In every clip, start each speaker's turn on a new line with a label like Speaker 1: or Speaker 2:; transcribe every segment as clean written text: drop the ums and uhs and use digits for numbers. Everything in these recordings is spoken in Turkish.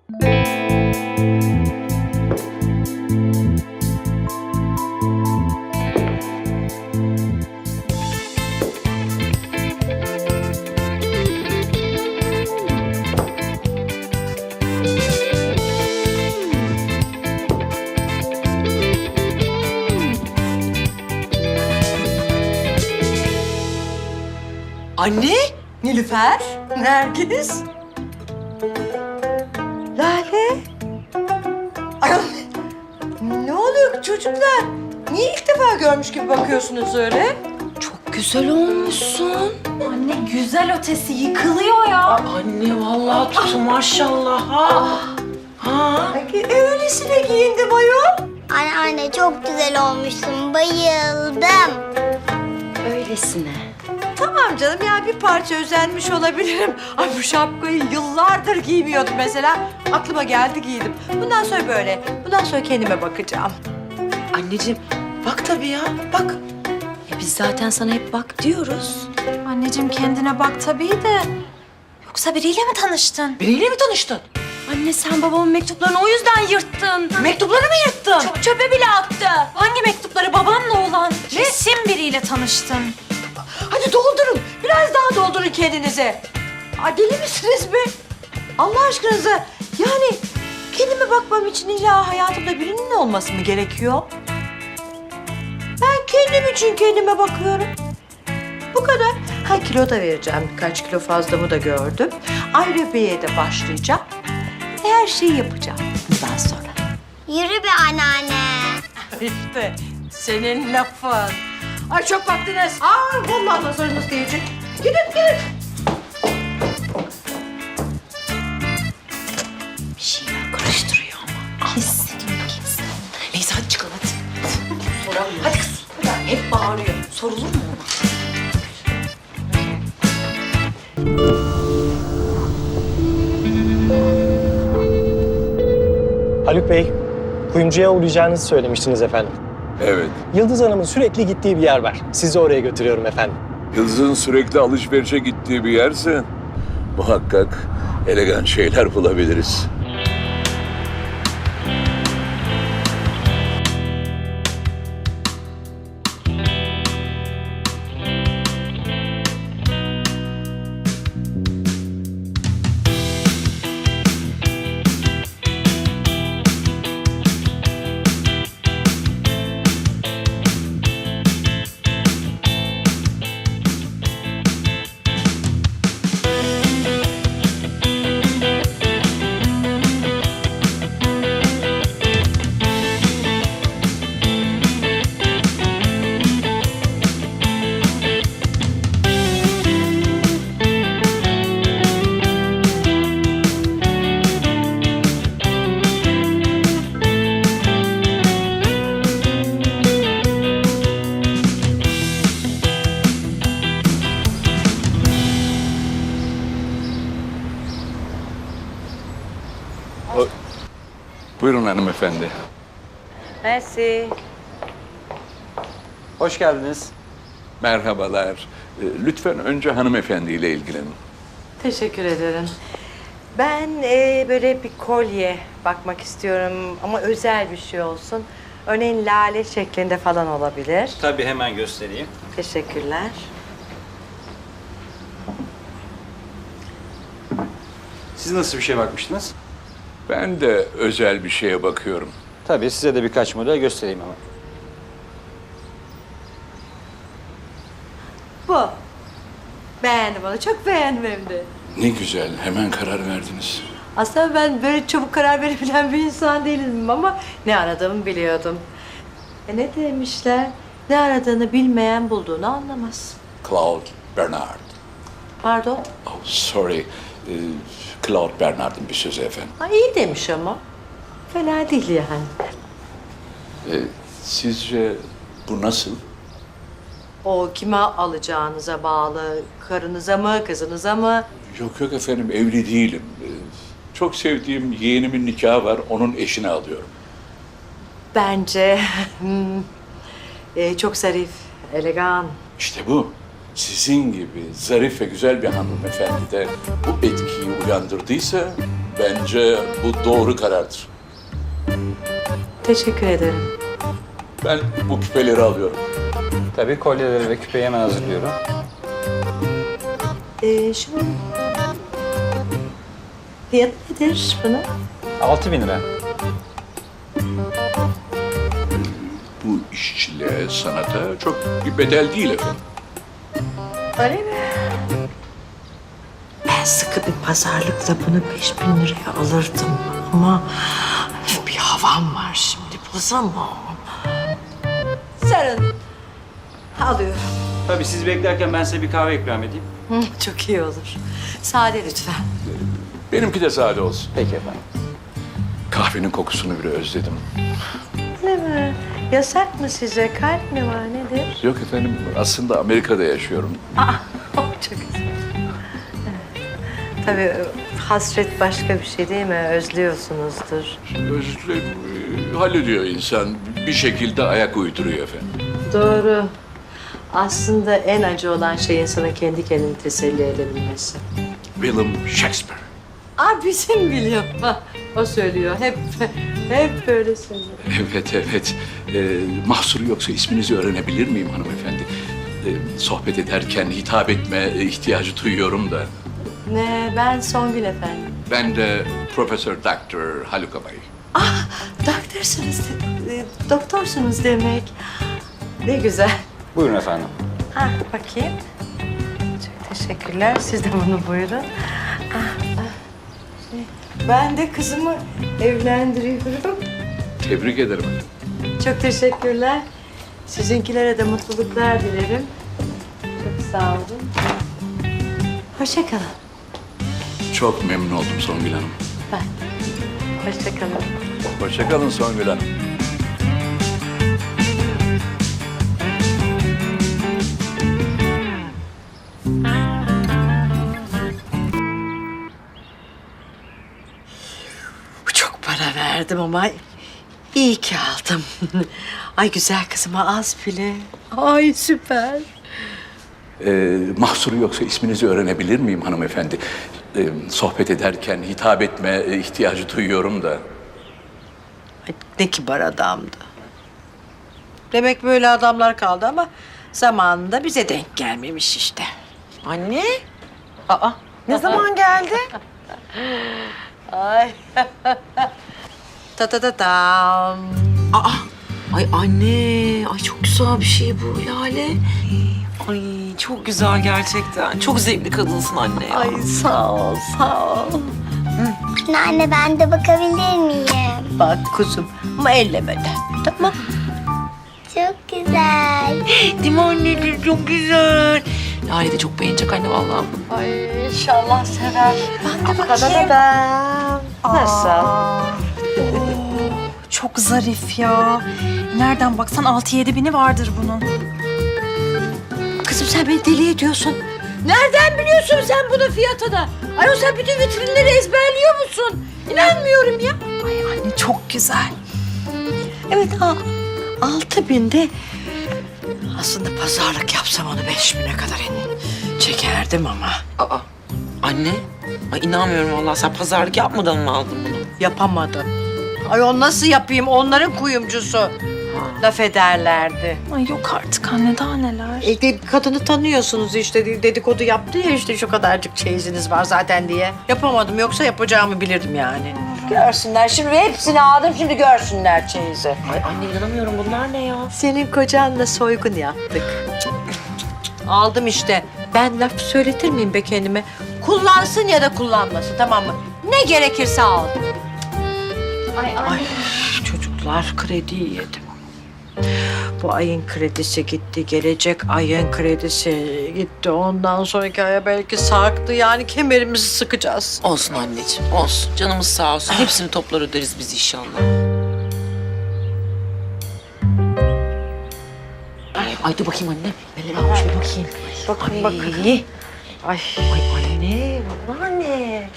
Speaker 1: Anne, Nilüfer, Nergis, Lale. Ay, ne oluyor çocuklar? Niye ilk defa görmüş gibi bakıyorsunuz öyle?
Speaker 2: Çok güzel olmuşsun.
Speaker 3: Anne güzel ötesi yıkılıyor ya.
Speaker 2: Anne vallahi tutu maşallah ha. Ha.
Speaker 1: Öylesine giyindim ayol.
Speaker 4: Anne çok güzel olmuşsun. Bayıldım.
Speaker 2: Öylesine.
Speaker 1: Tamam canım ya bir parça özenmiş olabilirim. Ay bu şapkayı yıllardır giymiyordum mesela. Aklıma geldi giydim. Bundan sonra böyle. Bundan sonra kendime bakacağım.
Speaker 2: Anneciğim bak tabii ya bak. Biz zaten sana hep bak diyoruz.
Speaker 3: Anneciğim kendine bak tabii de. Yoksa biriyle mi tanıştın?
Speaker 2: Biriyle mi tanıştın? Anne sen babamın mektuplarını o yüzden yırttın.
Speaker 1: Mektupları mı yırttın?
Speaker 3: Çöpe bile attı. Hangi mektupları babamla olan? Kesin biriyle tanıştın.
Speaker 1: Hadi doldurun. Biraz daha doldurun kendinize. Ay deli misiniz be? Allah aşkınıza. Yani kendime bakmam için illa hayatımda birinin olması mı gerekiyor? Ben kendim için kendime bakıyorum. Bu kadar. Ha kilo da vereceğim. Birkaç kilo fazlamı da gördüm. Aerobik'e de başlayacağım. Her şeyi yapacağım bundan sonra.
Speaker 4: Yürü be anneanne.
Speaker 1: İşte senin lafın. Ay çok baktınız. Ay vallahi nazarınız değecek. Gidin gidin.
Speaker 2: Bir şeyler karıştırıyor ama. Kesin. Neyse hadi çıkalım hadi. Soralım. Hadi kız. Hep bağırıyor. Sorulur mu ona?
Speaker 5: Haluk Bey, kuyumcuya uğrayacağınızı söylemiştiniz efendim.
Speaker 6: Evet.
Speaker 5: Yıldız Hanım'ın sürekli gittiği bir yer var. Sizi oraya götürüyorum efendim.
Speaker 6: Yıldız'ın sürekli alışverişe gittiği bir yerse muhakkak elegan şeyler bulabiliriz. Buyurun hanımefendi.
Speaker 1: Mersi.
Speaker 5: Hoş geldiniz.
Speaker 6: Merhabalar. Lütfen önce hanımefendiyle ilgilenin.
Speaker 1: Teşekkür ederim. Ben böyle bir kolye bakmak istiyorum ama özel bir şey olsun. Örneğin lale şeklinde falan olabilir.
Speaker 7: Tabii hemen göstereyim.
Speaker 1: Teşekkürler.
Speaker 7: Siz nasıl bir şeye bakmıştınız?
Speaker 6: Ben de özel bir şeye bakıyorum.
Speaker 7: Tabii size de birkaç model göstereyim ama.
Speaker 1: Bu. Beğendim onu. Çok beğendim hem de.
Speaker 6: Ne güzel, hemen karar verdiniz.
Speaker 1: Aslında ben böyle çabuk karar verebilen bir insan değilim ama ne aradığımı biliyordum. Ne demişler? Ne aradığını bilmeyen bulduğunu anlamaz.
Speaker 6: Claude Bernard.
Speaker 1: Pardon?
Speaker 6: Oh, sorry. Claude Bernard'ın bir sözü efendim.
Speaker 1: Ha, iyi demiş ama. Fena değil yani.
Speaker 6: Sizce bu nasıl?
Speaker 1: O kime alacağınıza bağlı. Karınıza mı, kızınıza mı?
Speaker 6: Yok yok efendim, evli değilim. Çok sevdiğim yeğenimin nikahı var, onun eşini alıyorum.
Speaker 1: Bence çok zarif, elegan.
Speaker 6: İşte bu. Sizin gibi zarif ve güzel bir hanımefendi de bu etkiyi uyandırdıysa Bence bu doğru karardır.
Speaker 1: Teşekkür ederim.
Speaker 6: Ben bu küpeleri alıyorum.
Speaker 7: Tabii kolyeleri ve küpeyi hemen hazırlıyorum.
Speaker 1: Şimdi fiyat nedir bunun?
Speaker 7: 6.000 lira.
Speaker 6: Bu işçiliğe, sanata çok bir bedel değil efendim.
Speaker 1: Öyle mi? Ben sıkı bir pazarlıkla bunu 5.000 liraya alırdım ama bir havam var şimdi, bozamam. Sarın. Alıyorum.
Speaker 7: Tabii siz beklerken ben size bir kahve ikram edeyim.
Speaker 1: Çok iyi olur. Sade lütfen.
Speaker 6: Benimki de sade olsun.
Speaker 7: Peki efendim.
Speaker 6: Kahvenin kokusunu bile özledim.
Speaker 1: Ne mi? Yasak mı size? Kalp mi var, nedir?
Speaker 6: Yok efendim, aslında Amerika'da yaşıyorum.
Speaker 1: Çok güzel. Tabii hasret başka bir şey değil mi? Özlüyorsunuzdur.
Speaker 6: Hallediyor insan. Bir şekilde ayak uyduruyor efendim.
Speaker 1: Doğru. Aslında en acı olan şey insanın kendi kendini teselli edebilmesi.
Speaker 6: William Shakespeare.
Speaker 1: Bizim William. O söylüyor. Hep böyle söylüyor.
Speaker 6: Evet, evet. Mahsuru yoksa isminizi öğrenebilir miyim hanımefendi? Sohbet ederken hitap etme ihtiyacı duyuyorum da.
Speaker 1: Ne? Ben Songül efendim.
Speaker 6: Ben de Profesör Doktor Haluk Abay.
Speaker 1: Doktorsunuz, doktorsunuz demek. Ne güzel.
Speaker 7: Buyurun efendim.
Speaker 1: Bakayım. Çok teşekkürler. Siz de bunu buyurun. Ben de kızımı evlendiriyorum.
Speaker 6: Tebrik ederim.
Speaker 1: Çok teşekkürler. Sizinkilere de mutluluklar dilerim. Çok sağ olun. Hoşça kalın.
Speaker 6: Çok memnun oldum Songül Hanım.
Speaker 1: Hoşça kalın.
Speaker 6: Hoşça kalın Songül Hanım.
Speaker 1: Çok para verdim ama iyi ki aldım. Ay güzel kızıma az bile. Ay süper.
Speaker 6: Mahsuru yoksa isminizi öğrenebilir miyim hanımefendi? Sohbet ederken hitap etme ihtiyacı duyuyorum da.
Speaker 1: Ay, ne kibar adamdı. Demek böyle adamlar kaldı ama zamanında bize denk gelmemiş işte.
Speaker 2: Anne. Aa, ne zaman geldi?
Speaker 1: Ay. Ta ta ta tam.
Speaker 2: Aa, ay anne. Ay çok güzel bir şey bu Lale. Ay çok güzel gerçekten. Çok zevkli kadınsın anne ya.
Speaker 1: Ay sağ ol, sağ ol.
Speaker 4: Anne ben de bakabilir miyim?
Speaker 1: Bak kuzum ama ellemeden. Tamam.
Speaker 4: Çok güzel.
Speaker 2: Değil mi anneciğim? Çok güzel. Lale de çok beğenecek anne vallahi.
Speaker 1: Ay inşallah sever.
Speaker 3: Ben de bakayım.
Speaker 1: Nasıl?
Speaker 3: Çok zarif ya. Nereden baksan 6-7 bini vardır bunun.
Speaker 1: Kızım sen beni deli ediyorsun. Nereden biliyorsun sen bunun fiyatını? Ayol sen bütün vitrinleri ezberliyor musun? İnanmıyorum ya.
Speaker 3: Ay anne çok güzel.
Speaker 1: Evet 6.000'de aslında pazarlık yapsam onu 5.000'e kadar çekerdim ama
Speaker 2: Aa, anne. Ay inanmıyorum vallahi sen pazarlık yapmadan mı aldın bunu?
Speaker 1: yapamadım. Ayol nasıl yapayım onların kuyumcusu. Laf ederlerdi.
Speaker 3: Ay yok artık anne daha neler.
Speaker 1: Kadını tanıyorsunuz işte dedikodu yaptı ya işte şu kadarcık çeyiziniz var zaten diye. Yapamadım yoksa yapacağımı bilirdim yani. Görsünler şimdi hepsini aldım şimdi görsünler çeyizi.
Speaker 2: Ay anne inanamıyorum bunlar ne ya?
Speaker 1: Senin kocanla soygun yaptık. Aldım işte. Ben laf söyletir miyim be kendime? Kullansın ya da kullanmasın tamam mı? Ne gerekirse al. Ay çocuklar krediyi yedim. Bu ayın kredisi gitti, gelecek ayın kredisi gitti. Ondan sonraki aya belki sarktı. Yani kemerimizi sıkacağız.
Speaker 2: Olsun anneciğim olsun. Canımız sağ olsun. Hepsini toplar öderiz biz inşallah. Ay dur bakayım anne. Neler almış bir bakayım.
Speaker 1: Bakın bakın. Ay.
Speaker 2: Ay anne bunlar ne?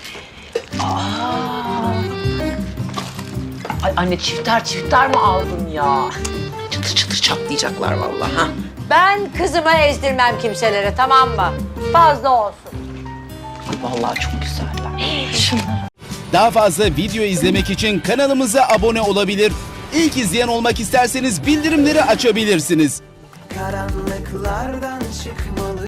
Speaker 2: Ay anne çifter mi aldın ya? Çıtır çıtır çatlayacaklar vallahi ha.
Speaker 1: Ben kızımı ezdirmem kimselere tamam mı? Fazla olsun.
Speaker 2: Ay vallahi çok güzeller.
Speaker 8: Daha fazla video izlemek için kanalımıza abone olabilir. İlk izleyen olmak isterseniz bildirimleri açabilirsiniz.
Speaker 9: Karanlıklardan çıkmalı.